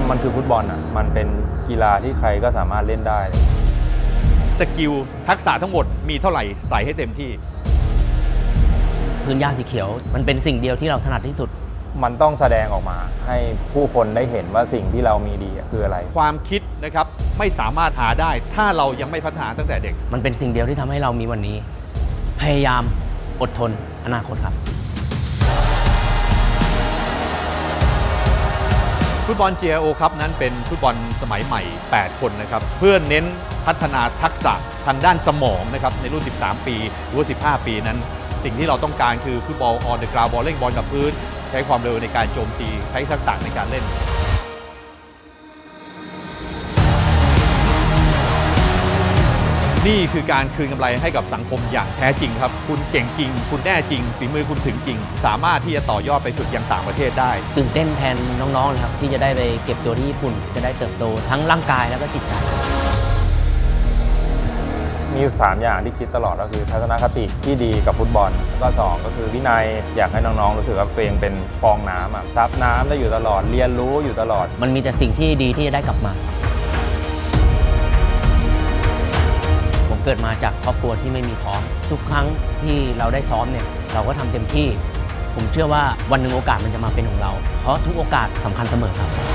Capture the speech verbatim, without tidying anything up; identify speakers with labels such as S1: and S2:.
S1: มันคือฟุตบอลอ่ะมันเป็นกีฬาที่ใครก็สามารถเล่นได้
S2: สกิลทักษะทั้งหมดมีเท่าไหร่ใส่ให้เต็มที่
S3: พื้นหญ้าสีเขียวมันเป็นสิ่งเดียวที่เราถนัดที่สุด
S1: มันต้องแสดงออกมาให้ผู้คนได้เห็นว่าสิ่งที่เรามีดีคืออะไร
S2: ความคิดนะครับไม่สามารถหาได้ถ้าเรายังไม่พัฒนาตั้งแต่เด็ก
S3: มันเป็นสิ่งเดียวที่ทำให้เรามีวันนี้พยายามอดทนอนาคตครับ
S2: ฟุตบอล จี ไอ โอ ครับนั้นเป็นฟุตบอลสมัยใหม่แปดคนนะครับเพื่อเน้นพัฒนาทักษะทางด้านสมองนะครับในรุ่นสิบสามปีหรือว่าสิบห้าปีนั้นสิ่งที่เราต้องการคือฟุตบอลออนเดอะกราวด์บอลเล่นบอลกับพื้นใช้ความเร็วในการโจมตีใช้ทักษะในการเล่นนี่คือการคืนกำไรให้กับสังคมอย่างแท้จริงครับคุณเก่งจริงคุณแน่จริงฝีมือคุณถึงจริงสามารถที่จะต่อยอดไปฝึกยังต่างประเทศได้
S3: ตื่นเต้นแทนน้องๆเลยครับที่จะได้ไปเก็บตัวที่ญี่ปุ่นจะได้เติบโตทั้งร่างกายแล้วก็จิตใจ
S1: มีสามอย่างที่คิดตลอดก็คือทัศนคติที่ดีกับฟุตบอลแล้วก็สองก็คือวินัยอยากให้น้องๆรู้สึกว่าตัวเองเป็นฟองน้ำอ่ะซับน้ำได้อยู่ตลอดเรียนรู้อยู่ตลอด
S3: มันมีแต่สิ่งที่ดีที่จะได้กลับมาผมเกิดมาจากครอบครัวที่ไม่มีพร้อมทุกครั้งที่เราได้ซ้อมเนี่ยเราก็ทำเต็มที่ผมเชื่อว่าวันหนึ่งโอกาสมันจะมาเป็นของเราเพราะทุกโอกาสสำคัญเสมอครับ